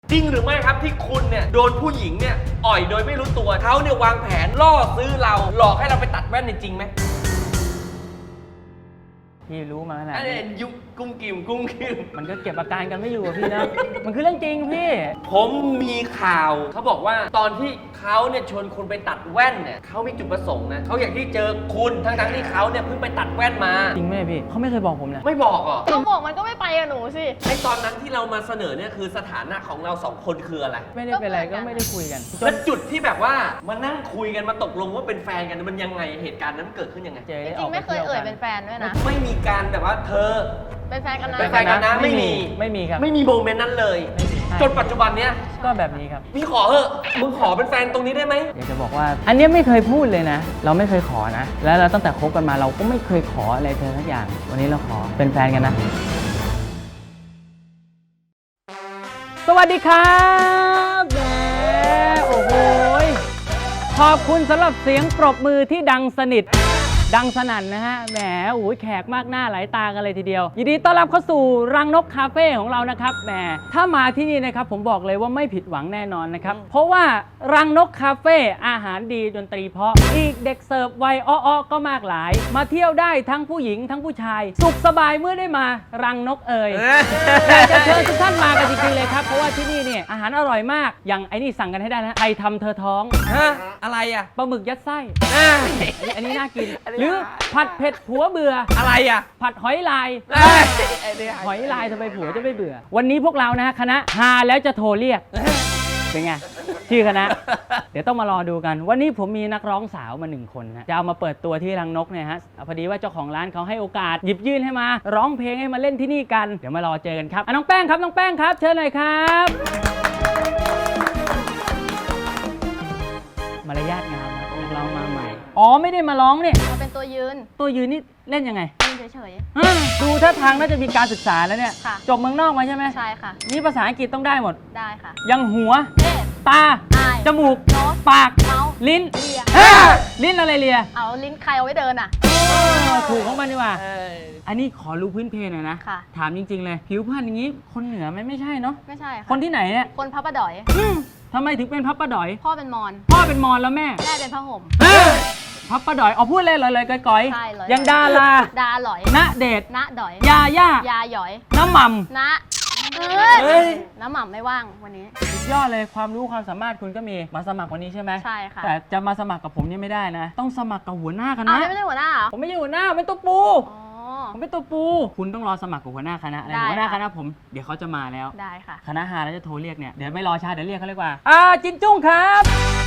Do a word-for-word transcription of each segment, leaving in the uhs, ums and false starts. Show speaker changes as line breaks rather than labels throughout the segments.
จริงหรือไม่ครับที่คุณเนี่ยโดนผู้หญิงเนี่ยอ่อยโดยไม่รู้ตัวเขาเนี่ยวางแผนล่อซื้อเราหลอกให้เราไปตัดแว่นจริงไหม
พี่รู้มาขนาดนี้
ยุคกุ้งกิ่มกุ้งกิ่ม
มันก็เก็บอาการกันไม่อยู่อะพี่นะ มันคือเรื่องจริงพี่
ผมมีข่าวเขาบอกว่าตอนที่เขาเนี่ยชวนคุณไปตัดแว่นเนี่ยเขามีจุดประสงค์นะเขาอยากที่เจอคุณทั้งทั้งที่เขาเนี่ยเพิ่งไปตัดแว่นมา
จริงไหมพี่เขาไม่เคยบอกผมเลย
ไม่บอกอ่ะ
เขาบอกมันก็ไม่ไปกับหนูสิ
ไอตอนนั้นที่เรามาเสนอเนี่ยคือสถานะของเราสองคนคืออะไร
ไม่ได้เป็นอะไรก็ไม่ได้คุยกัน
แล้วจุดที่แบบว่ามานั่งคุยกันมาตกลงว่าเป็นแฟนกันมันยังไงเหตุการณ์นั้นเกิดขึ้นยังไง
จริงๆไม่เคยเอ่ยเป็นแฟนด้วยนะ
ไม่มีการแบบว่าเธอ
เป็นแฟนกันนะ
เป็นแฟนกันนะไม่มี
ไม่มีครับ
ไม่มีโมเมนต์นั้นเลยจนปัจจุบันเนี้ย
ก็แบบนี้ครับ
พี่ขอเถอะมึงขอเป็นแฟนตรงนี้ได้ไหม
อยากจะบอกว่าอันนี้ไม่เคยพูดเลยนะเราไม่เคยขอนะแล้วเราตั้งแต่คบกันมาเราก็ไม่เคยขออะไรเธอสักอย่างวันนี้เราขอเป็นแฟนกันนะสวัสดีครับแหมโอ้โหขอบคุณสำหรับเสียงปรบมือที่ดังสนิทดังสนั่นนะฮะแหมโอ้ยแขกมากหน้าหลายตากันเลยทีเดียวยินดีต้อนรับเข้าสู่รังนกคาเฟ่ของเรานะครับแหมถ้ามาที่นี่นะครับผมบอกเลยว่าไม่ผิดหวังแน่นอนนะครับเพราะว่ารังนกคาเฟ่อาหารดีดนตรีเพราะอีกเด็กเสิร์ฟวัยอ้อๆก็มากหลายมาเที่ยวได้ทั้งผู้หญิงทั้งผู้ชายสุขสบายเมื่อได้มารังนกเอ่ยอยากจะเชิญทุกท่านมากันจริงๆเลยครับเพราะว่าที่นี่เนี่ยอาหารอร่อยมากอย่างไอ้นี่สั่งกันให้ได้นะใครทำเธอท้อง
ฮะอะไรอ่ะ
ปลาหมึกยัดไส้อันนี้น่ากินหรือผัดเผ็ดผัวเบื่อ
อะไรอ่ะ
ผัดหอยลายหอยลายทำไมผัวจะไม่เบื่อวันนี้พวกเรานะฮะคณะฮาแล้วจะโทรเรียกเป็นไงชื่อคณะเดี๋ยวต้องมารอดูกันวันนี้ผมมีนักร้องสาวมาหนึ่งคนนะจะเอามาเปิดตัวที่รังนกเนี่ยฮะพอดีว่าเจ้าของร้านเขาให้โอกาสหยิบยื่นให้มาร้องเพลงให้มาเล่นที่นี่กันเดี๋ยวมารอเจอกันครับน้องแป้งครับน้องแป้งครับเชิญหน่อยครับมารยาทงามนะนักร้องมาใหม่อ๋อไม่ได้มาร้องเนี่ย
มาเป็นตัวยืน
ตัวยืนนี่เล่นยังไง
ยืนเฉย
ๆดูท่าทางน่าจะมีการศึกษาแล้วเนี่ยจบเมืองนอกมาใช่ไหม
ใช่ค่ะ
นี่ภาษาอังกฤษต้องได้หมด
ได้ค่ะ
ยังหัวตาจมูกปากลิ้น
เลีย
ลิ้นอะไรเลีย
เอาลิ้นใครเอาไว้เดินอ่ะ
ถูกของมันดีกว่าอันนี้ขอรู้พื้นเพหน่อยนะถามจริงๆเลยผิวพรรณอย่างนี้คนเหนือไหมไม่ใช่เนาะ
ไม่ใช่
คนที่ไหนเนี่ย
คนพับปะดอย
ทำไมถึงเป็นพับปะดอย
พ่อเป็นมอญ
พ่อเป็นมอญแล้วแม่
แม่เป็นผ้าห่ม
พับปะดอยเอาพูดเลยเลยๆก้อยๆยังดารา
ดาหลอย
ณเดช
ณดอย
ยาย่าย
าหยอย
น้ำหม่ำ
ณเฮ้ยน้ำหม่ำไม่ว่างวันนี้
สุดยอดเลยความรู้ความสามารถคุณก็มีมาสมัครวันนี้ใช่ไหม
ใช่ค่ะ
แต่จะมาสมัครกับผมนี่ไม่ได้นะต้องสมัครกับหัวหน้าคณะ
ไม่ใช่หัวหน้าเหรอ
ผมไม่ใช่หัวหน้าเป็นตัวปูผมเป็นตัวปูคุณต้องรอสมัครกับหัวหน้าคณะนะหัวหน้าคณะผมเดี๋ยวเขาจะมาแล้ว
ได้ค่ะ
คณะฮาแล้วจะโทรเรียกเนี่ยเดี๋ยวไม่รอช้าเดี๋ยวเรียกเขาเรียกว่าอ่าจินจุ้งครับ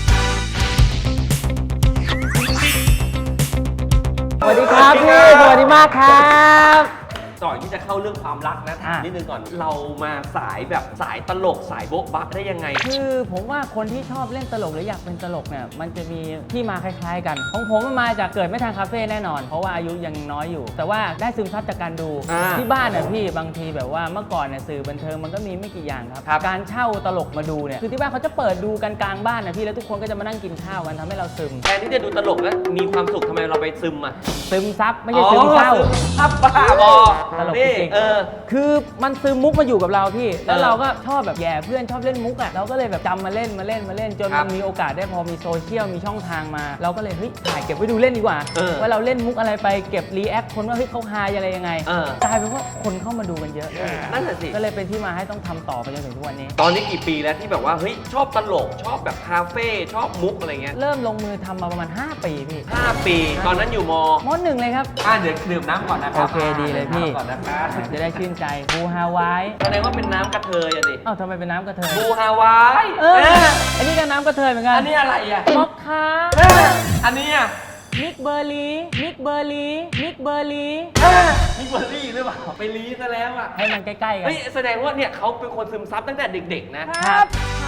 สวัสดีครับพี่สวัสดีมากครับ
ก่อนที่จะเข้าเรื่องความรักนะถามนิดนึงก่อนเรามาสายแบบสายตลกสายโบ๊ะบะได้ยังไง
คือผมว่าคนที่ชอบเล่นตลกหรืออยากเป็นตลกเนี่ยมันจะมีที่มาคล้ายๆกันของผมมันมาจากเกิดไม่ทันคาเฟ่แน่นอนเพราะว่าอายุยังน้อยอยู่แต่ว่าได้ซึมซับจากการดูที่บ้านน่ะพี่บางทีแบบว่าเมื่อก่อนเนี่ยสื่อบันเทิงมันก็มีไม่กี่อย่างครับการเช่าตลกมาดูเนี่ยคือที่บ้านเขาจะเปิดดูกันกลางบ้านนะพี่แล้วทุกคนก็จะมานั่งกินข้าวกันทำให้เราซึม
แทนที่จะดูตลกแล้วมีความสุขทำไมเราไปซึมอ่ะ
ซึมซับไม่ใช่ซึมเศร้า
ซับบ้าบอ
ตลกจริงคือมันซึมมุกมาอยู่กับเราพี่แล้วเราก็ชอบแบบแย่เพื่อนชอบเล่นมุกอ่ะเราก็เลยแบบจำมาเล่นมาเล่นมาเล่นจนมันมีโอกาสได้พอมีโซเชียลมีช่องทางมาเราก็เลยเฮ้ยถ่ายเก็บไว้ดูเล่นดีกว่าว่าเราเล่นมุกอะไรไปเก็บรีแอคคนว่าเฮ้ยเขาฮาอะไรยังไงกลายเป็นว่าคนเข้ามาดูกันเยอะ
นั่นแหละสิ
ก็เลยเป็นที่มาให้ต้องทำต่อไปจนถึงทุกวันนี้
ตอนนี้กี่ปีแล้วที่แบบว่าเฮ้ยชอบตลกชอบแบบคาเฟ่ชอบมุกอะไรเงี้ย
เริ่มลงมือทำมาประมาณห้าปีพี่
ห้าปีตอนนั้นอยู่ม
มหนึ่งเลยครับ
อ่าเดี๋ยวดื่มน้ำก่อนนะครับ
โอเคดีเลยพี่ก่อนนะครับจะได้ชื่นใจบูฮาวาย
แสดงว่าเป็นน้ำกระเทยอะดิ
อ้าวทำไมเป็นน้ำกระเทย
บูฮาวาย
เอออันนี้ก็น้ำกระเทยเหมือนกัน
อันนี้อะไรอ่ะ
มอคคา
อันนี้อ่ะ
มิกเบอร์รี่มิกเบอร์รี่มิกเบอร์รี่
มิกเบอร์รี่หรือเปล่าไปลีซะแล้วอ่ะ
ให้มันใกล้ๆกัน
เฮ้ยแสดงว่าเนี่ยเขาเป็นคนซึมซับตั้งแต่เด็กๆ
นะครับ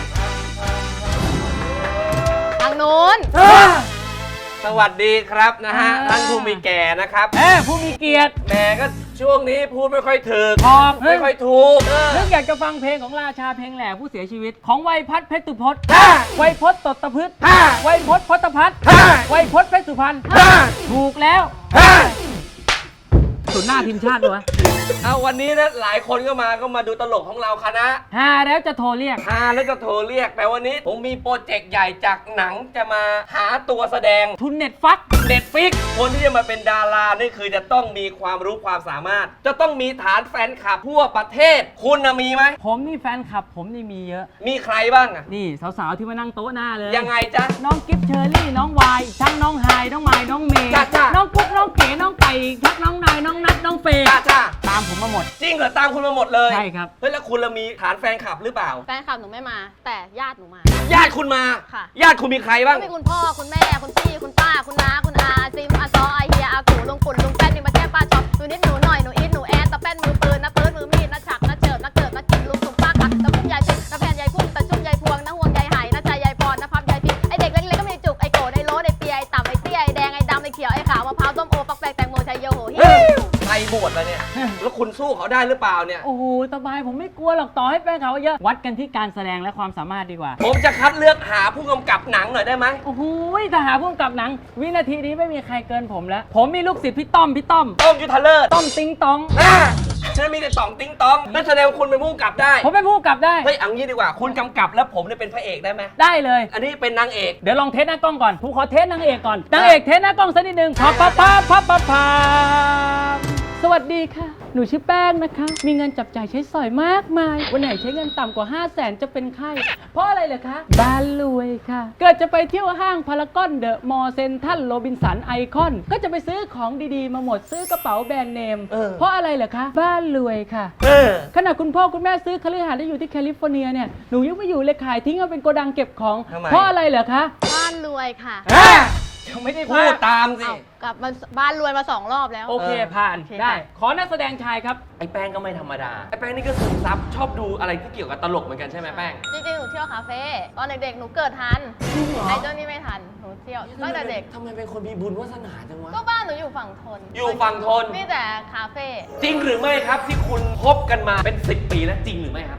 ทางนู้น
สวัสดีครับนะฮะท่านผู้มีแก่นะครับ
เออผู้มีเกียรติ
แหมก็ช่วงนี้พูดไม่ค่อยถึก
พอก
ไม่ค่อยถูก
นึกอยากจะฟังเพลงของราชาเพลงแหล่ผู้เสียชีวิตของไวยพัฒน์เพชรสุพจน์ไวยพจน์ตตพฤกษ์ไวยพจน์พจน์พัฒน์ไวยพจน์เพชรสุพรรณถูกแล้วถศูนย์หน้าทีมชาติด้วย
เอาวันนี้นะหลายคนก็มาก็มาดูตลกของเราคณะ
ฮาแล้วจะโทรเรียก
ฮาแล้วจะโทรเรียกแต่วันนี้ผมมีโปรเจกต์ใหญ่จากหนังจะมาหาตัวแสดง
ทุนเน็ตฟัก
เน็ตฟิกคนที่จะมาเป็นดารานี่คือจะต้องมีความรู้ความสามารถ จะต้องมีฐานแฟนคลับทั่วประเทศ คุณนะมีไหม
ผมนี่แฟนคลับ ผมนี่มีเยอะ
มีใครบ้างอะ
นี่สาวๆที่มานั่งโต๊ะหน้าเลย
ยังไงจ๊ะ
น้องกิฟเชอร์รี่ น้องวายทั้งน้องไฮน้องไมล์น้องเมย์
จ้ะจ้ะ
น้องกุ๊กน้องเก๋น้องไก่ทักน้องนายน้องนัทน้องเฟย์
จ้าจ้า
ตามผมมาหมด
จริงเหรอตามคุณมาหมดเลย
ใช่ครับ
เฮ้ยแล้วคุณละมีฐานแฟนคลับหรือเปล่า
แฟนคลับหนูไม่มา แต่ญาติหนูมา
ญาติคุณมา
ค่ะ
ญาติคุณมีใครบ้าง
ก็มีคุณพ่อคุณแม่คุณพี่คุณป้าคุณน้าคุณอาซิมอาซออาเฮียอากูลุงปุ่นลุงแป้นมีมาแก้ป้าช็อปหนูนิดหนูหน่อยหนูอีทหนูแอดตะแป้นมือปืนนะปืนมือมีดนะฉักนะเจิดนะเกิดนะกินลุงสุ่มป้ากักตะพุ่มยายพิษตะแผ่นยายพุ่มตะจุ่มยายพวงนะห่วงยายไหนะใจยายพรนะพับยายพิษไอเด็กเล็กๆก็มีจุกไอโกรธไอโลดไอเปียไอต่ำไอเตี้ยไอแดงไอดำไอเขียวไอขาวมะพร้าวส้มโอปักแปกแตงโมชัยโยโหฮิ
ใครบวชแล้วเนี่ย แล้วคุณสู้เขาได้หรือเปล่าเนี่ย
โอ้โหสบายผมไม่กลัวหรอกต่อให้แฟนเขาเยอะ วัดกันที่การแสดงและความสามารถดีกว่า
ผมจะคัดเลือกหาผู้กำกับหนังหน่อยได้ไหม
โอ้โหถ้าหาพุ่มกับหนัง วินาทีนี้ไม่มีใครเกินผมแล้ว ผมมีลูกศิษย์พี่ต้อมพี่ต้อม
ต้มยุทธเลิศ
ต้อมติงตอง
อ่าฉันมีแต่สองติ้งตองนั่นแสดงว่าคุณเป็นผู้กำกับได้
ผมเป็นผู้กำกับได้
เฮ้ยเอังนี้ดีกว่า คุณกำกับแล้วผมเนี่ยเป็นพระเอกได้ไหม
ได้เลย
อันนี้เป็นนางเอก
เดี๋ยวลองเทสหน้ากล้องก่อนผมขอเทสนางเอกก่อนนางเอกเทสหน้ากล้องสักนิดนึงพับพับพับพับพับพับสวัสดีค่ะ หนูชื่อแป้งนะคะ มีเงินจับจ่ายใช้สอยมากมาย วันไหนใช้เงินต่ำกว่า ห้าแสนจะเป็นไข้ เพราะอะไรเหรอคะ บ้านรวยค่ะ เกิดจะไปเที่ยวห้างพารากอนเดอะมอลล์เซ็นทรัลโรบินสันไอคอน ก็จะไปซื้อของดีๆ มาหมดซื้อกระเป๋าแบรนด์เนม
เออ
เพราะอะไรเหรอคะ บ้านรวยค่ะ
เออ
ขณะคุณพ่อคุณแม่ซื้อคฤหาสน์ได้อยู่ที่แคลิฟอร์เนียเนี่ยหนูยังไม่อยู่เลยขายทิ้งเอาเป็นโกดังเก็บของ
ทำไม
เพราะอะไรเหรอคะ
บ้านรวยค่ะ
อ่ะ
ยังไม่ได้
พูดตามสิ
เอากลับมาบ้านรวยมาสองรอบแล้ว
โอเค
เออ
ผ่าน
โอเค
ได้
ค่ะ
ขอนักแสดงชายครับ
ไอ้แป้งก็ไม่ธรรมดา ไอ้แป้งนี่ก็ซึมซับชอบดูอะไรที่เกี่ยวกับตลกเหมือนกันใช่ไหมแป้ง
จริงๆ หนูเที่ยวคาเฟ่ตอนเด็กๆ หนูเกิดทัน
จริงเหรอ
ไอ้เจ้านี่ไม่ทัน หนูเที่ยวตั้งแต่เด็ก
ทำไมเป็นคนมีบุญวาสนาจังวะ
ก็บ้านหนูอยู่ฝั่งทน
อยู่ฝั่งทน
มีแต่คาเฟ่
จริงหรือไม่ครับที่คุณคบกันมาเป็นสิบปีแล้วจริงหรือไม่ครับ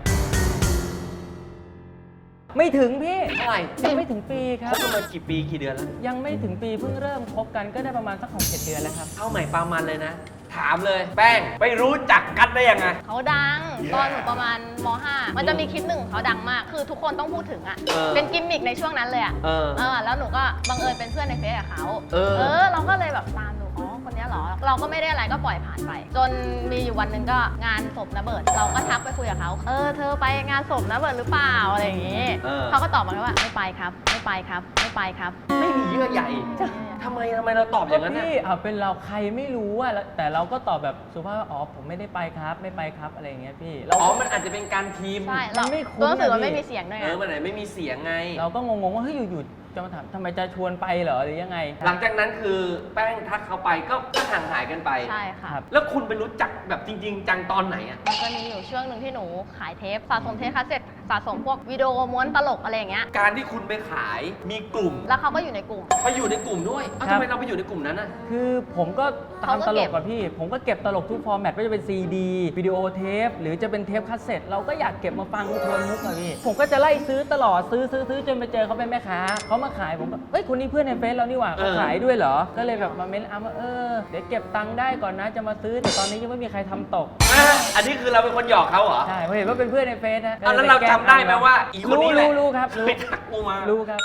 ไม่ถึงพี่
เท่าไหร่
ยังไม่ถึงปีค
ครับ บกันมากี่ปีกี่เดือนแล้ว
ยังไม่ถึงปีเพิ่งเริ่มคบกันก็ได้ประมาณสักหกเจ็ดเดือนแล้วครับ
เอาใหม่ปามันเลยนะ ถามเลย แป้งไปรู้จักกันได้ยังไง
เขาดัง ตอนหนูประมาณม .ห้า มันจะมีคลิปหนึ่งเขาดังมาก คือทุกคนต้องพูดถึงอ่ะ
เออ
เป็นกิมมิกในช่วงนั้นเลยอ่ะ
เออ
เออ แล้วหนูก็บังเอิญเป็นเพื่อนในเฟซกับเขา
เออ
เออ เราก็เลยแบบตามดู อ๋อ คนเนี้ยเหรอ เราก็ไม่ได้อะไรก็ปล่อยผ่านไป จนมีอยู่วันหนึ่งก็งานศพนะเบิร์ดเราก็ทักไปคุยกับเขา เออ เธอไปงานศพนะเบิร์ดหรือเปล่า อะไรอย่างงี้
เออ
เขาก็ตอบมาว่า ไม่ไปครับ ไม่ไปครับ ไม่ไปครับ
ไม่มีเยื่อใยทำไมทำไมเราตอบอย่างนั้นน่ะ
พี่เอาเป็นเราใครไม่รู้อะแล้วแต่เราก็ตอบแบบสุภาพว่าอ๋อผมไม่ได้ไปครับ ไม่ไปครับอะไรอย่างเงี้ยพี่เรา
อ๋อ มันอาจจะเป็นการพิมพ์
ใช่
มั
เรา
นไม่คุ้น
ตัวหนังสือ
อะ
มันไม่
พี่
มีเสียงด้วย
เอ
ไง
อ มันไหนไม่มีเสียงไง
เราก็งงๆว่าเฮ้ยอยู่ๆจะมาถามทำไมจะชวนไปเหรอหรือยังไง
หลังจากนั้นคือแป้งทักเขาไปก็ก็ห่างหายกันไป
ใช่ค่ะ
ครับ
แล้วคุณไปรู้จักแบบจริง ๆ จังตอนไหนอ่ะ
มันจะมีอยู่ช่วงหนึ่งที่หนูขายเทปสะสมเทปคาสเซ็ตสะสมพวกวิดีโอม้วนตลกอะไรอย่างเงี้ย
การที่คุณไปขายมีกลุ่ม
แล้วเขาก็อยู่ในกลุ่ม
ไปอยู่ในกลุ่มด้วยเอ้า
ครับ
ทำไมเราไปอยู่ในกลุ่มนั้นอ่ะ
คือผมก็ตาม
เขาก็
ตล
เก็
ก
บ
กับพี่ ผมก็เก็บตลกทุกฟอร์แมตไม่ว่าจะเป็นซีดีวิดีโอเทปหรือจะเป็นเทปคาสเซ็ตเราก็อยากเก็บมาฟังทวนมุกอะพี่ ผมก็จะไล่ซื้อตลอดซื้อซื้อซื้อจนไปเจอเขาเป็นแม่ค้าเขามาขายผมก็เอ้ยคนนี้เพื่อนในเฟซเรานี่หว่าเขา
เออ
ขายด้วยเหรอ ก็เลยแบบมาเม้นอ่ะว่าเออเดี๋ยวเก็บตังค์ได้ก่อนนะจะมาซื้อแต่ตอนนี้ยังไม่มีใครทำตก
อ่ะอันนี้คือเราเป็นคนหยอกเขาเหรอ
ใช่ผมเห็นว่าเป็นเพื่อนในเฟซนะ
อ่ะแล้วเราจำได้ไหมว่าอีคนนี้แหละ
รู้รู้ครับรู้
ไปทักกูมา
รู้ครับ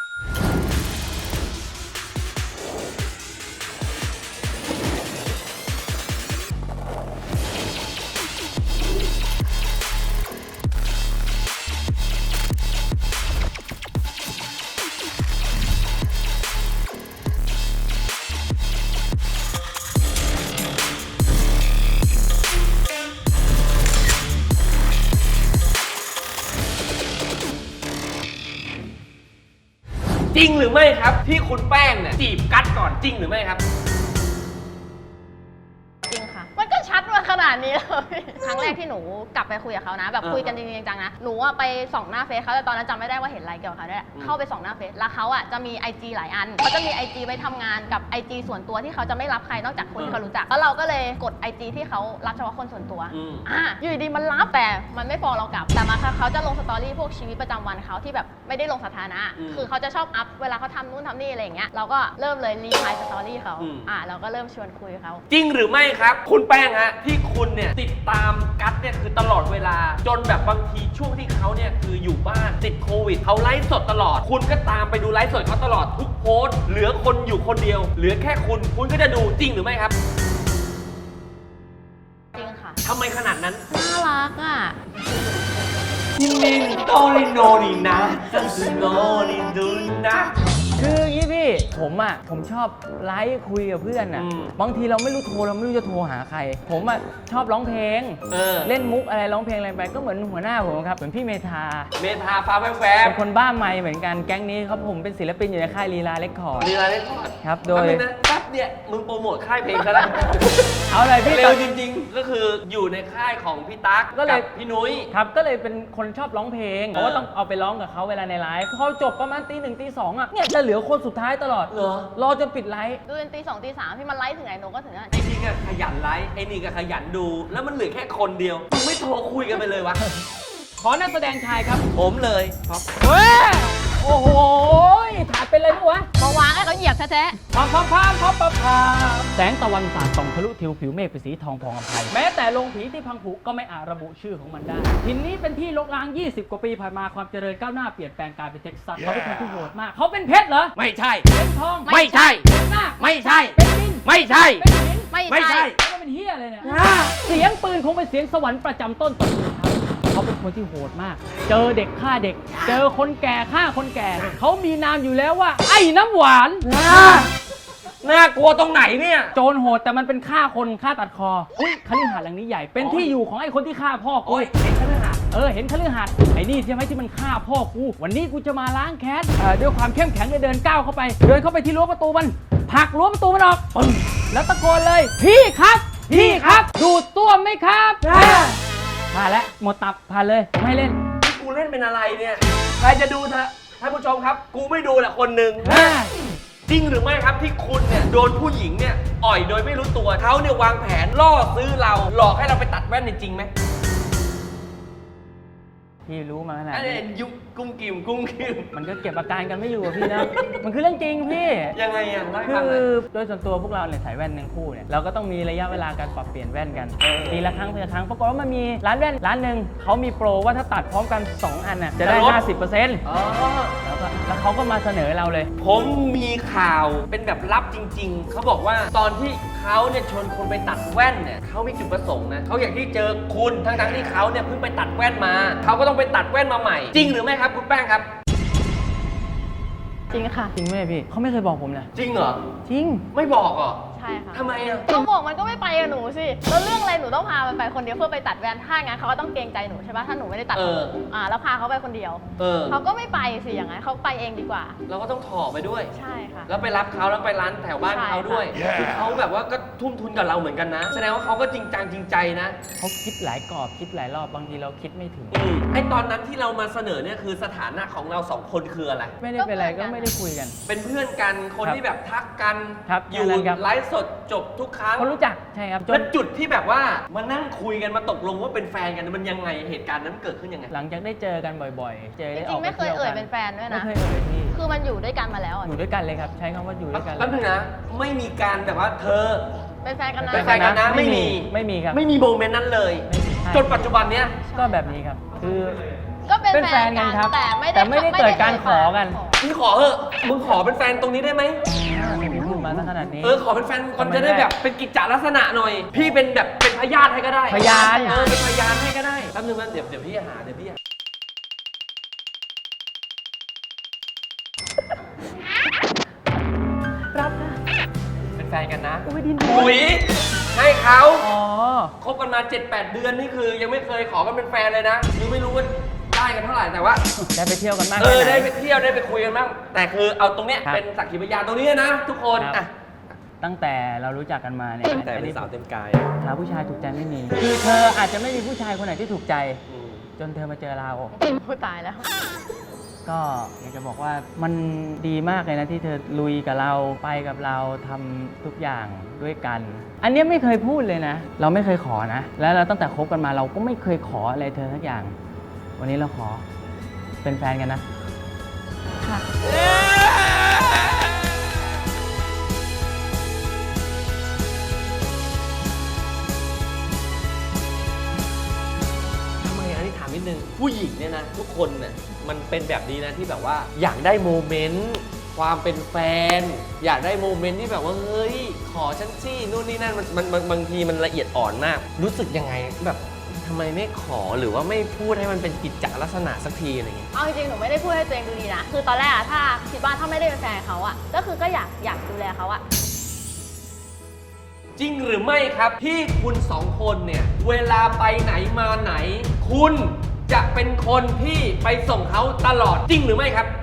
จริงหรือไม่ครับ ที่คุณแป้งเนี่ยจีบกัดก่อนจริงหรือไม่ครับ
จริงค่ะ มันก็ชัดมาขนาดนี้เลยครั้งแรกที่หนูกลับไปคุยกับเขานะแบบคุยกันจริงๆจังๆนะหนูอะไปส่องหน้าเฟซเขาแต่ตอนนั้นจำไม่ได้ว่าเห็นอะไรเกี่ยวกับเขาด้วยเข้าไปส่องหน้าเฟซแล้วเขาอ่ะจะมี ไอ จี หลายอันเขาจะมี ไอ จี ไว้ทำงานกับ ไอ จี ส่วนตัวที่เขาจะไม่รับใครนอกจากคนที่เขารู้จักแล้วเราก็เลยกด ไอ จี ที่เขารับเฉพาะคนส่วนตัวอ่ะอยู่ดีมันรับแต่มันไม่ฟอลเรากลับแต่มาเขาจะลงสตอรี่พวกชีวิตประจำวันเขาที่แบบไม่ได้ลงสถานะคือเขาจะชอบอัพเวลาเขาทำนู่นทำนี่อะไรอย่างเงี้ยเราก็เริ่มเลยรีพลายสตอรี่เขาอ่ะเราก็เริ่มชวนคุยเขา
จริงหรือไม่ครับคุณแป้งฮะที่คุณเนี่ยติดตามกัสเนี่ยคือตลอดเวลาจนแบบบางทีช่วงที่เขาเนี่ยคืออยู่บ้านติดโควิดเขาไลฟ์สดตลอดคุณก็ตามไปดูไลฟ์สดเขาตลอดทุกโพสต์เหลือคนอยู่คนเดียวเหลือแค่คุณคุณก็จะดูจริงหรือไม่ครับ
จริงค่ะ
ทำไมขนาดนั้น
น่ารักอ่ะ
นิ่งๆโตลิโนนี่นะจังสุโนนี่ดูนะ
คืออย่างนี้พี่ผมอ่ะผมชอบไลฟ์คุยกับเพื่อนอ่ะบางทีเราไม่รู้โทรเราไม่รู้จะโทรหาใครผมอ่ะชอบร้องเพลงเออเล่นมุกอะไรร้องเพลงอะไรไปก็เหมือนหัวหน้าผมครับเหมือนพี่เมธา
เมธาฟ้าแฝง
เป็นคนบ้าไมค์เหมือนกันแก๊งนี้ครับผมเป็นศิลปินอยู่ในค่ายลีลาเรคคอร์ด
ลีลาเรคคอร์ด
ครับโดย
แป๊บเนี่ยมึงโปรโมทค่ายเพลงซะแล้ว
เอาเลยพี่
เร็วจริงๆก็คืออยู่ในค่ายของพี่ตั๊กกับพี่นุ้ย
ครับก็เลยเป็นคนชอบร้องเพลงเพราะว่าต้องเอาไปร้องกับเขาเวลาในไลฟ์พอจบประมาณตีหนึ่งตีสองอ่ะเนี่ยจะเหลือคนสุดท้ายตลอด
เหรอ
รอจนปิดไลฟ์
ดูจนตีสองตีสามพี่มันไลฟ์ถึงไหนหนูก็ถึงนั่น
ไอ้นี่ก็ขยันไลฟ์ไอ้นี่ก็ขยันดูแล้วมันเหลือแค่คนเดียวมึงไม่โทรคุยกันไปเลยวะ
ขอนักแสดงชายครับ
ผมเลยครับ
เฮ้ยโอ้โหถ่ายเป็นอะไรมั้วะ
มาวางให้เขาเหยียบแท้
ๆพามพามพามพามพามพามแสงตะวันสาดส่องทะลุทิวผิวเมฆเป็นสีทองพองอภัยแม้แต่โรงผีที่พังผุก็ไม่อาจระบุชื่อของมันได้ถิ่นนี้เป็นที่รกร้างยี่สิบกว่าปีผ่านมาความเจริญก้าวหน้าเปลี่ยนแปลงกลายเป็นเท็กซัสเขาเป็นคนที่โหดมากเขาเป็นเพชรเหรอ
ไม่ใช่
เป็นทอง
ไม่ใช่
เป็นหน้า
ไม่ใช่
เป็นดิน
ไม่ใช่
เป็นหิน
ไม่ใช่
แล้วเป็นเฮียอะไรเนี่ยเสียงปืนคงเป็นเสียงสวรรค์ประจำต้นตระกูลเขาเป็นคนที่โหดมากเจอเด็กฆ่าเด็กเจอคนแก่ฆ่าคนแก่เขามีนามอยู่แล้วว่าไอ้น้ำหวาน
น่ากลัวตรงไหนเนี่ย
โจรโหดแต่มันเป็นฆ่าคนฆ่าตัดคออุ้ยคฤหาสน์หลังนี้ใหญ่เป็นที่อยู่ของไอ้คนที่ฆ่าพ่อกู
เห็นคฤหาสน์
เออเห็นคฤหาสน์ไอ้นี่ใช่ไหมที่มันฆ่าพ่อกูวันนี้กูจะมาล้างแค้นด้วยความเข้มแข็งเลยเดินก้าวเข้าไปเดินเข้าไปที่รั้วประตูมันผลักรั้วประตูมันออกปึ้งแล้วตะโกนเลยพี่ครับพี่ครับดูดต้วมไหมครับผ่านแล้วหมดตับผ่านเลยไม่เล่น
กูเล่นเป็นอะไรเนี่ยใครจะดูเถอะท่านผู้ชมครับกูไม่ดูแหละคนหนึ่งจริงหรือไม่ครับที่คุณเนี่ยโดนผู้หญิงเนี่ยอ่อยโดยไม่รู้ตัวเขาเนี่ยวางแผนล่อซื้อเราหลอกให้เราไปตัดแว่นจริงไหม
พี่รู้มาขนาด
นี้ยุกกุ้งกิ่มกุ้งกิ่ม
มันก็เก็บอาการกันไม่อยู่พี่นะมันคือเรื่องจริงพี่
ยังไงอ่ะ
คือโดยส่วนตัวพวกเราเนี่ยใส่แว่นทั้งคู่เนี่ยเราก็ต้องมีระยะเวลาการปรับเปลี่ยนแว่นกันปีละครั้งปีละครั้งปรากฏว่ามันมีร้านแว่นร้านหนึ่งเขามีโปรว่าถ้าตัดพร้อมกันสองอันน่ะจะได้ ห้าสิบเปอร์เซ็นต์ อ๋อแล้วก็แล้วเขาก็มาเสนอเราเลย
ผมมีข่าวเป็นแบบลับจริงๆเขาบอกว่าตอนที่เขาเนี่ยชวนคนไปตัดแว่นเนี่ยเขามีจุดประสงค์นะเขาอยากที่เจอคุณทั้งๆที่เขาเนี่ยเพิ่งไปตัดแว่นมาเขาก็ต้องไปตัดแว่นมาใหม่จริงหรือไม่ครับคุณแป้งครับ
จริงค่ะ
จริงไหมพี่เขาไม่เคยบอกผมนะ
จริงเหรอ
จริง
ไม่บอกเหรอ
ใช่ค่ะ
ทำไมอ่ะ
เขาบอกมันก็ไม่ไปกับหนูสิแล้วเรื่องอะไรหนูต้องพามันไปคนเดียวเพื่อไปตัดแว่นถ้างั้นเขาก็ต้องเกรงใจหนูใช่ปะถ้าหนูไม่ได้ตัดอ่าแล้วพาเขาไปคนเดียวเขาก็ไม่ไปสิอย่างนั้นเขาไปเองดีกว่า
เราก็ต้องถอไปด้วย
ใช่ค่ะ
แล้วไปรับเขาแล้วไปร้านแถวบ้านเขาด้วยคือเขาแบบว่าก็ทุ่มทุนกับเราเหมือนกันนะแสดงว่าเขาก็จริงจังจริงใจนะ
เขาคิดหลายกรอบคิดหลายรอบบางทีเราคิดไม่ถึง
ไอ้ตอนนั้นที่เรามาเสนอเนี่ยคือสถานะของเราสองคนคืออะไร
ไม่ได้เป็นอะไรก็ไม่ได้คุยกัน
เป็นเพื่อนกันคนที่แบบทักกันอยู่ไลฟ์สดจบทุกครั้ง
คนรู้จักใช่ครับ
แล้วจุดที่แบบว่ามานั่งคุยกันมาตกลงว่าเป็นแฟนกันมันยังไงเหตุการณ์นั้นเกิดขึ้นยังไง
หลังจากได้เจอกันบ่อยๆเจอได้
ออกไปเที่ยวกันจริงๆไม่เคยเอ่ยเป็นแฟนด้วยนะ
ไม่เคยเอ่ยพี่
คือมันอยู่ด้วยกันมาแล้ว
อยู่ด้วยกันเลยครับใช้คำว่าอยู่ด้วยกัน
แป๊บนึงนะไม่มีการแบบว่าเธอ
เป็นแฟนกันนะ
เป็นแฟนกันนะไม่มี
ไม่มีครับ
ไม่มีโมเมนต์นั้นเลยจนปัจจุบันเนี้ย
ก็แบบนี้ครับคือ
ก็เป็นแฟนกันครับ
แต่ไม่ได้เกิดการขอกัน
มึงขอเถอะมึงขอเป็นแฟนตรงนี้ได้ไหม
พูดมาขนาดนี้
เออขอเป็นแฟนคนจะได้แบบเป็นกิจจลักษณะหน่อยพี่เป็นแบบเป็นพยานให้ก็ได้
พยาน
เออเป็นพยานให้ก็ได้แป๊บนึงนะเดี๋ยวเดี๋ยวพี่หาเดี๋ยวพี่
รับนะ
เป็นแฟนกันนะ
อุ้ยดิน
อุ้ยให้เขาอ๋อคบกันมา เจ็ดแปด เดือนนี่คือยังไม่เคยขอกันเป็นแฟนเลยนะคือไม่รู้ว่าได้กันเท่าไหร่แต่ว่า
ได้ไปเที่ยวกันมาก
เออได้ไปเที่ยวได้ไปคุยกันบ้างแต่คือเอาตรงเนี้ยเป็นสักขีพยานตรงนี้นะทุกคนอ่ะ
ตั้งแต่เรารู้จักกันมาเนี่ย
แต่
อัน
เป็น
นี้
สาวเต็มกาย
หาผู้ชายถูกใจไม่มี คือเธออาจจะไม่มีผู้ชายคนไหนที่ถูกใจ
อืม
จนเธอมาเจอเรา
พูดตายแล้ว
ก็อยากจะบอกว่ามันดีมากเลยนะที่เธอลุยกับเราไปกับเราทำทุกอย่างด้วยกัน อันเนี้ยไม่เคยพูดเลยนะ เราไม่เคยขอนะ แล้วเราตั้งแต่คบกันมาเราก็ไม่เคยขออะไรเธอสักอย่าง วันนี้เราขอเป็นแฟนกันนะ
ค่ะ
ทำไมอันนี้ถามนิดนึงผู้หญิงเนี่ยนะทุกคนเนี่ยมันเป็นแบบนี้นะที่แบบว่าอยากได้โมเมนต์ความเป็นแฟน อยากได้โมเมนต์ที่แบบว่าเฮ้ยขอฉันสินู่นนี่นั่นมันมันมันบางทีมันละเอียดอ่อนมาก รู้สึกยังไงแบบทำไมไม่ขอหรือว่าไม่พูดให้มันเป็นกิจจลักษณะสักทีอะไรเงี้ย
เอาจริงๆ หนูไม่ได้พูดให้ตัวเองดูดีนะ คือตอนแรกอะถ้าคิดว่าถ้าไม่ได้เป็นแฟนเขาอะก็คือก็อยากอยากดูแลเขาอะ
จริงหรือไม่ครับที่คุณสองคนเนี่ยเวลาไปไหนมาไหน คุณจะเป็นคนที่ไปส่งเขาตลอดจริงหรือไม่ครับ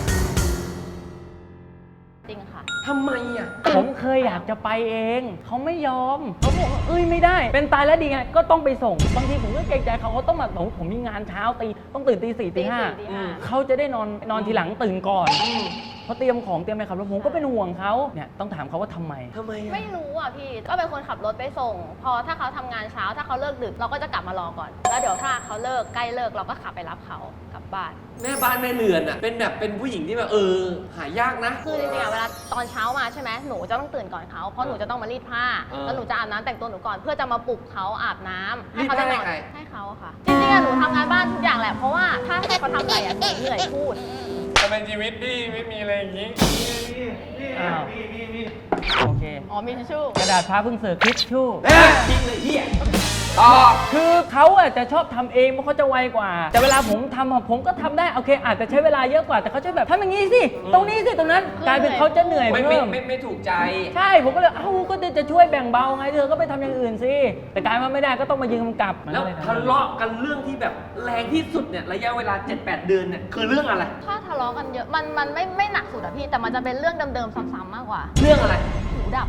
จริงค่ะ
ทำไมอ่ะ
ผมเคยอยากจะไปเอง เขาไม่ยอมเขาบอกว่าเอ้ยไม่ได้ เป็นตายแล้วดีไง ก็ต้องไปส่ง บางทีผมก็เกรงใจเขาเขาต้องมาผมผมมีงานเช้าตีต้องตื่นตีสี่ตีห้า
ตีสี่ตีห้า
เขาจะได้นอนนอนทีหลังตื่นก่อนเขาเตรียมของเตรียมอะไรครับแล้วผมก็เป็นห่วงเขาเนี่ยต้องถามเขาว่าทำไม
ทำไมอ่ะ
ไม่รู้อ่ะพี่ ก็เป็นคนขับรถไปส่ง พอถ้าเขาทำงานเช้า ถ้าเขาเลิกดึกเราก็จะกลับมารอก่อน แล้วเดี๋ยวถ้าเขาเลิกใกล้เลิกเราก็ขับไปรับเขากลับบ้าน
แม่บ้านแม่เรือนอ่ะเป็นแบบเป็นผู้หญิงที่แบบเออหายากนะ
คือจริงๆอะเวลาตอนเช้ามาใช่ไหมหนูจะต้องตื่นก่อนเขาเพราะหนูจะต้องมารีดผ้า
เออ
แล้วหนูจะอาบน้ำแต่งตัวหนูก่อนเพื่อจะมาปลุกเขาอาบน้ำให้เขา
รีดผ้า
ได้นอน
ให้ใคร
ให้เขาค่ะจริงๆอะหนูทำงานบ้านทุกอย่างแหละเพราะว่าถ้าให้เขาทำอะไรอะหนูเหนื่อยพูด
ทำไมชีวิตพี่ไม่มีอะไรอย่างนี้
อ้าวโอเค
อ๋อมีทิชชู่
กระดาษผ้าเพิ่งเสิร์ฟทิชชู่
เอ้ยจริงเลยเฮียต่อ
คือเขาอะจะชอบทำเองเพราะเขาจะไวกว่า แต่เวลาผมทำอะผมก็ทำได้โอเค อาจจะใช้เวลาเยอะกว่าแต่เขาจะแบบทำอย่างนี้สิ ตรงนี้สิตรงนั้นกลายเป็นเขาจะเหนื่อย
ไม่ไม่
เพิ่ม
ไม่ไม่ถูกใจ
ใช่ผมก็เลยเอ้าก็จะช่วยแบ่งเบาไงเธอก็ไปทำอย่างอื่นสิแต่กลายมาไม่ได้ก็ต้องมายืนกำกับมัน
แล้ว
ก็เยทำ
ทะเลาะกันเรื่องที่แบบแรงที่สุดเนี่ยระยะเวลา เจ็ดแปด เดือนเนี่ยคือเรื่องอะไร
ถ้าทะเลาะกันเยอะมันมันไม่ไม่หนักสุดอะพี่แต่มันจะเป็นเรื่องเดิมๆซ้ำๆมากกว่า
เรื่องอะไร
หูดับ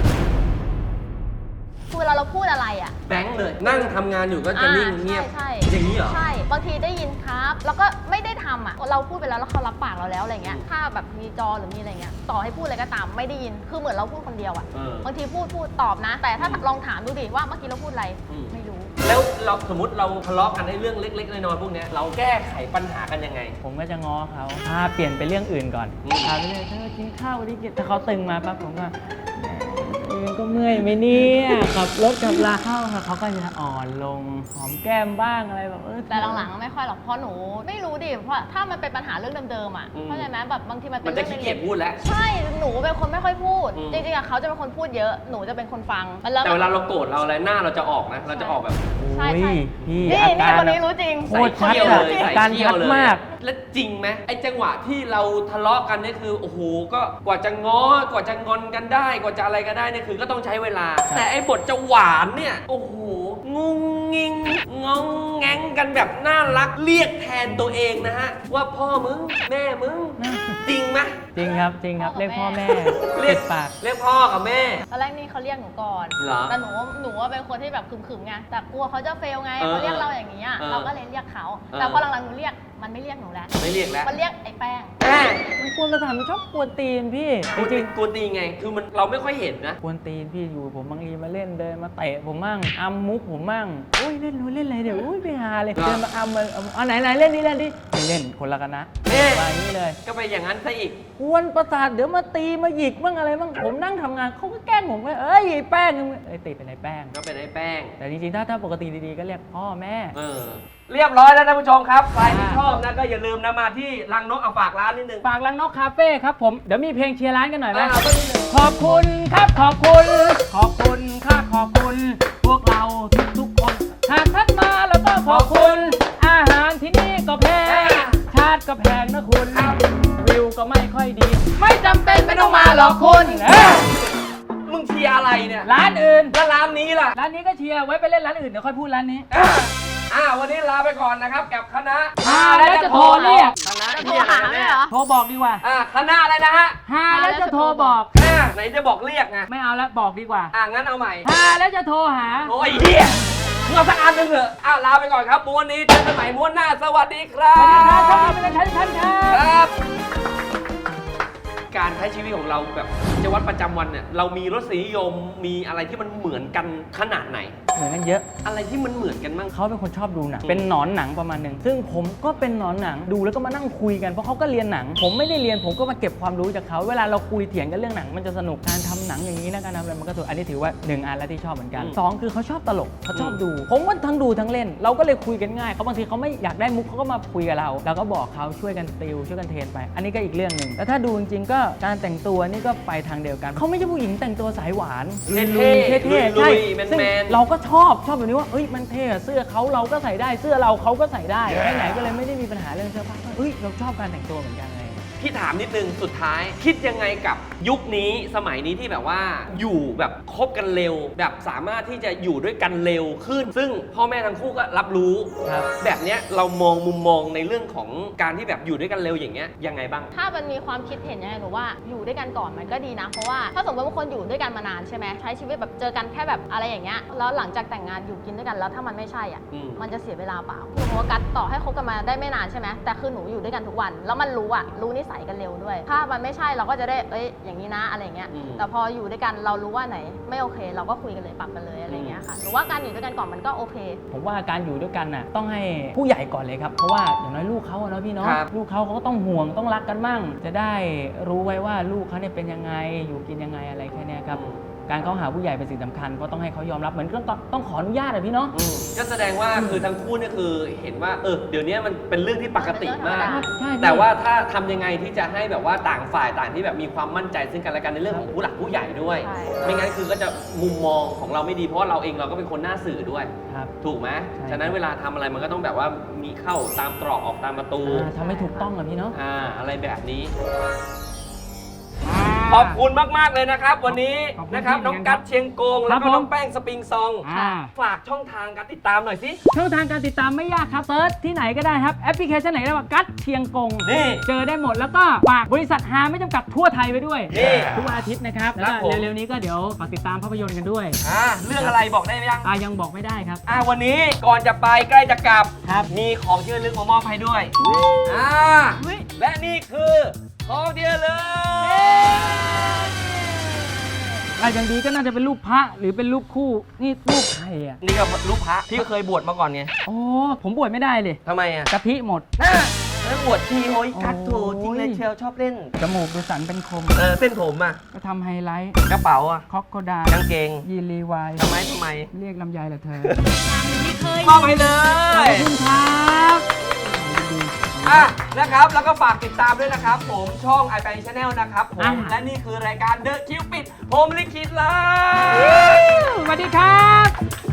คือเวลาเราพูดอะไรอะ
แบงค์เลย นั่งทำงานอยู่ก็จะนิ่งเงียบ
ใช่
อย่างนี้เหรอ
ใช่บางทีได้ยินครับ แล้วก็ไม่ได้ทำอ่ะเราพูดไปแล้วแล้วเขารับปากเราแล้วอะไรเงี้ยถ้าแบบมีจอหรือมีอะไรเงี้ยต่อให้พูดอะไรก็ตามไม่ได้ยินคือเหมือนเราพูดคนเดียวอ่ะ
เออ
บางทีพูดพูดตอบนะ แต่ถ้าลองถามดูดิว่าเมื่อกี้เราพูดอะไร
อืม
ไม่รู้
แล้วเราสมมติเราทะเลาะกันในเรื่องเล็กๆน้อยๆพวกเนี้ยเราแก้ไขปัญหากันยังไง
ผมก็จะง้อเขาพาเปลี่ยนไปเรื่องอื่นก่อน
อืม
พาไปเรื่อยเธอกินข้าววันนี้กินถ้าเขาตึงมาปั๊บผมก็แหมเองก็เมื่อยไหมเนี่ยขับรถขับลาเข้าค่ะเขาก็จะอ่อนลงหอมแก้มบ้างอะไรแบบเออ
แต่หลังๆไม่ค่อยหรอกเพราะหนูไม่รู้ดิเพราะถ้ามันเป็นปัญหาเรื่องเดิมๆอ่ะ
อืม
เข้าใจไหมแบบบางทีมันเป็
มัน
น
จะ
เรื่อง
ขี้เกียจ
เล็ก
พูดแล้ว
ๆใช่หนูเป็นคนไม่ค่อยพูด
อืม
จริงๆอะเขาจะเป็นคนพูดเยอะหนูจะเป็นคนฟังมันแล้ว
แต่เวลาเราโกรธเราอะไรหน้าเราจะออกนะ เราจะออกแบบ
ใช่
โอ้ย
ใช่
พี่
นี่
อา
นี่
การ
คนนี้รู้จริง
โคตรชัด
ใส่เขี้ยว
อะ
เลย
อา
ใส่
การ
เขี้ย
ชั
ว
ด
เลย
มาก
แล้วจริงไหมไอ้จังหวะที่เราทะเลาะกันเนี่ยคือโอ้โหก็กว่าจะง้อกว่าจะงอนกันได้ กว่าจะอะไรกันได้เนี่ยคือก็ต้องใช้เวลา แต่ไอ้บทจะหวานเนี่ยโอ้โหงุงงิงงองแงงกันแบบน่ารักเรียกแทนตัวเองนะฮะว่าพ่อมึงแม่มึงจริงไหม
จริงครับจริงครับเรียกพ่อแม่
เรียก
ติดปาก
เรียกพ่อกับแม่
ตอนแรกนี่เขาเรียกหนูก่อน
เหรอ
แต่หนูหนูว่าเป็นคนที่แบบขึมๆไง แต่กลัวเขาจะเฟลไง
เออ
เขาเรียกเราอย่างนี้อะ
เออ
เราก็เลยเรียกเขา
เออ
แต่พอหลังๆหนูเรียก มันไม่เรียกหนูแล้ว
ไม่เรียกแล้ว
มันเรียกไอ้แป้ง
แม่
มันกวนประสาทมันชอบกวนตีนพี่
กู
จ
ตี
ริง
กูตีไง คือมันเราไม่ค่อยเห็นนะ
ๆกวนตีนพี่อยู่ผมบางทีมาเล่นเดินมาเตะผมมั่งอัมมุกผมมั่งโอ้ยเล่นรู้เล่นอะไรเดี๋ยวอุ้ยไปหาเลย
เหรอ
เดินมาอัมมาเอาเอาไหนไหนเล่นนี่เล่นดิไม่เล่นคนละกันนะ
แม่
มาอย่างนี้เลย
ก็ไปอย่างนั้นซะอีก
กวนประสาทเดี๋ยวมาตีมาหยิกบ้างอะไรบ้างผมนั่งทำงานเขาก็แกล้งผมว่าเอ้ยไอ้แป้งเอ้ยติดเป็นไอ้แป้ง
ก็เป็นไอ้แป้ง
แต่จริงๆถ้าถ้าปกติดีๆก็เรียกพ่อแม่
เออ เรียบร้อยแล้วท่านผู้ชมครับ ใครที่ชอบนะก็อย่าลืมนะมาที่รังนกเอาฝากร้านนิดนึง
ฝากลังนกคาเฟ่ครับผมเดี๋ยวมีเพลงเชียร์ร้านกันหน่อยไหม
อ่าเอาไปนิดนึง
ขอบคุณครับขอบคุณ ขอบคุณค่ะขอบคุณ พวกเราทุกทุกๆคนหากท่านมาแล้วก็ขอบคุณ อาหารที่นี่ก็แพงชาติก็แพงนะคุณวิวก็ไม่ค่อยดี ไม่จำเป็นไม่ต้องมาหรอกคุณเอ้ย
มึงเชียร์อะไรเนี่ย
ร้านอื่น
แล้วร้านนี้ล่ะ
ร้านนี้ก็เชียร์ไว้ไปเล่นร้านอื่นเดี๋ยวค่อยพูดร้านนี้
อ่ะอ่าวันนี้ลาไปก่อนนะครับกับคณะ
อ่าแล้วจะโทรเรียก
คณะ
จะโทร
เรียก
หา
อะไร
ไหม
เนี่ย
เหรอ
โทรบอกดีกว่า
อ่าคณะอะไรนะฮะ
หาแล้วจะโทรบอก
อ่าไหนจะบอกเรียกไง
ไม่เอาแล้วบอกดีกว่า
อ่ะงั้นเอาใหม่
หาแล้วจะโทรหา
โอ้ยเฮียมึงเอาสักอันหนึงเถอะอ่ะลาไปก่อนครับม้วนนี้เจอกันใหม่ม้วนหน้าสวัสดีครับ
สวัสดีครับขอบคุณเป็นท่านท่านครั
ค
บ
รับ การใช้ชีวิตของเราแบบกิจวัตรประจำวันเนี่ยเรามีรสนิยมมีอะไรที่มันเหมือนกันขนาดไหน
เหมือนกันเยอะ
อะไรที่มันเหมือนกันบ้าง
เขาเป็นคนชอบดูหนัง เป็นหนอนหนังประมาณหนึ่ง ซึ่งผมก็เป็นหนอนหนัง ดูแล้วก็มานั่งคุยกัน เพราะเขาก็เรียนหนัง ผมไม่ได้เรียน ผมก็มาเก็บความรู้จากเขา เวลาเราคุยเถียงกันเรื่องหนัง มันจะสนุก การทำหนังอย่างนี้นะการทำอะไรมันก็ถูกอันนี้ถือว่าหนึ่งอันแล้วที่ชอบเหมือนกัน
อืม
สองคือเขาชอบตลก เขาชอบดู ผมก็ทั้งดูทั้งเล่น เราก็เลยคุยกันง่าย เขาบางทีเขาไม่อยากได้มุกเขาก็มาคุยกับเรา เราก็บอกเขาช่วยกันติวช่วยกันเทรนไป อันนี้ก็อีกเรื่องหนึ่งแล้วถ้าดูจริงๆก็การแต่งตัวนี่ก็ไปทางเดียวกัน เขาไม่ใช่ผู้หญิงแต่งตัวสายหวาน
เท่ๆ
เท่ๆ
ลุ
ใช่
ยๆแมนๆ
ซึ่งเราก็ชอบชอบแบบนี้ว่าเอ้ยมันเท่อะเสื้อเขาเราก็ใส่ได้เสื้อเราเขาก็ใส่ได้ไปไหนก็เลยไม่ได้มีปัญหาเรื่องเสื้อผ้าเอ้ยเราชอบการแต่งตัวเหมือนกันเลย
พี่ถามนิดนึงสุดท้าย คิดยังไงกับยุคนี้สมัยนี้ที่แบบว่าอยู่แบบคบกันเร็ว แบบสามารถที่จะอยู่ด้วยกันเร็วขึ้น ซึ่งพ่อแม่ทั้งคู่ก็รับรู้
ครับ
แบบเนี้ยเรามองมุมมองในเรื่องของการที่แบบอยู่ด้วยกันเร็วอย่างเงี้ยยังไงบ้าง
ถ้ามันมีความคิดเห็นยังไงหนูว่าอยู่ด้วยกันก่อนมันก็ดีนะ เพราะว่าถ้าสมมติว่าคนอยู่ด้วยกันมานานใช่ไหมใช้ชีวิตแบบเจอกันแค่แบบอะไรอย่างเงี้ยแล้วหลังจากแต่งงานอยู่กินด้วยกันแล้วถ้ามันไม่ใช่อ่ะ
อืม
มันจะเสียเวลาเปล่าคือโฟกัสต่อให้คบกันมาได้ไม่นานใช่ไหมแต่คือหนูอยู่ด้วยกันทุกวันแล้วมันรู้อ่ะรู้นิสัยกันเร็วด้วย ถ้ามันไม่ใช่เราก็จะได้เอ้ยอย่างนี้นะอะไรเงี้ย
อืม
แต่พออยู่ด้วยกันเรารู้ว่าไหนไม่โอเค เราก็คุยกันเลยปรับกันเลยอะไรเงี้ยค่ะหนูว่าการอยู่ด้วยกันก่อนมันก็โอเค
ผมว่าการอยู่ด้วยกันน่ะต้องให้ผู้ใหญ่ก่อนเลยครับเพราะว่าอย่างน้อยลูกเขาอะเนาะพี่เนาะ
ครับ
ลูกเขาเขาก็ต้องห่วงต้องรักกันมั่งจะได้รู้ไว้ว่าลูกเขาเนี่ยเป็นยังไงอยู่กินยังไงอะไรแค่เนี้ยครับการเข้าหาผู้ใหญ่เป็นสิ่งสำคัญเพราะต้องให้เขายอมรับเหมือนต้องต้องขออนุญาตอะพี่เนาะ
อืมก็แสดงว่าคือทั้งคู่เนี่ยคือเห็นว่าเออเดี๋ยวนี้มันเป็นเรื่องที่ปกติมาก
ใช่พี่
แต่ว่าถ้าทำยังไงที่จะให้แบบว่าต่างฝ่ายต่างที่แบบมีความมั่นใจซึ่งกันและกันในเรื่องของผู้หลักผู้ใหญ่ด้วย
ใช่
ไม่งั้นคือก็จะมุมมองของเราไม่ดีเพราะว่าเราเองเราก็เป็นคนหน้าสื่อด้วย
ครับ
ถูกไหม
ใช่
ฉะนั้นเวลาทำอะไรมันก็ต้องแบบว่ามีเข้าตามตรอกออกตามประตู
อ่าทำให้ถูกต้องอะพี่เนาะ
อ่าอะไรแบบนี้ ขอบคุณมาก ๆ เลยนะครับ วันนี้
ขอบคุณ
นะครับ
พี่
น้อง
เหมือนกั
กัน ดเชียงโกง แล้ว
ครั
ก็
บผม
น้องแป้งสปริงซอง
อ่า
ฝากช่องทางการติดตามหน่อยสิ
ช่องทางการติดตามไม่ยากครับเซิร์ชที่ไหนก็ได้ครับแอปพลิเคชันไหนก็ได้ว่ากัดเชียงกง
นี่
เจอได้หมดแล้วก็ฝากบริษัทฮาไม่จำกัดทั่วไทยไว้ด้วย
นี่
ทุกวันอาทิตย์นะครับ
ครั
แล้ว
บ
ก็
ผม
เร็วๆนี้ก็เดี๋ยวฝากติดตามภาพยนตร์กันด้วย
อ่าเรื่องอะไรบอกได้ไหมยัง
อ่ายังบอกไม่ได้ครับ
อ่าวันนี้ก่อนจะไปใกล้จะกลับ
ครับ
มีของที่ระลึกมามอบให้ด้วยอ่า
เฮ้ย
และนี่คือของที่ระลึก
อ่ะอย่างดีก็น่าจะเป็นรูปพระหรือเป็นรูปคู่นี่รูปใครอ่ะ
นี่ก็รูปพระพี่ก็เคยบวชมาก่อนไง
โอ้ผมบวชไม่ได้เลย
ทำไมอ่ะ
กะทิหมด
น่าแล้วบวชทีโอ้ยกัดโถ
โอ้ย
จริงเลยเชียวชอบเล่น
จมูกดูสันเป็นคม
เออเส้นผมอ่ะ
ก็ทำไฮไลท์
กระเป๋าอ่ะ
คอกโกดาก
างเกง
ยีรีวาย
ทำไมทำไม
เรียกลำไยเหรอเธอ
มอบให้เล
ขอย บคุณครับดี
อ่ะนะครับแล้วก็ฝากติดตามด้วยนะครับ ผมช่อง i อ p Channel นะครับผม
อ่ะ
และนี่คือรายการ The Cupid ผมลิขิตลับ
สวัสดีครับ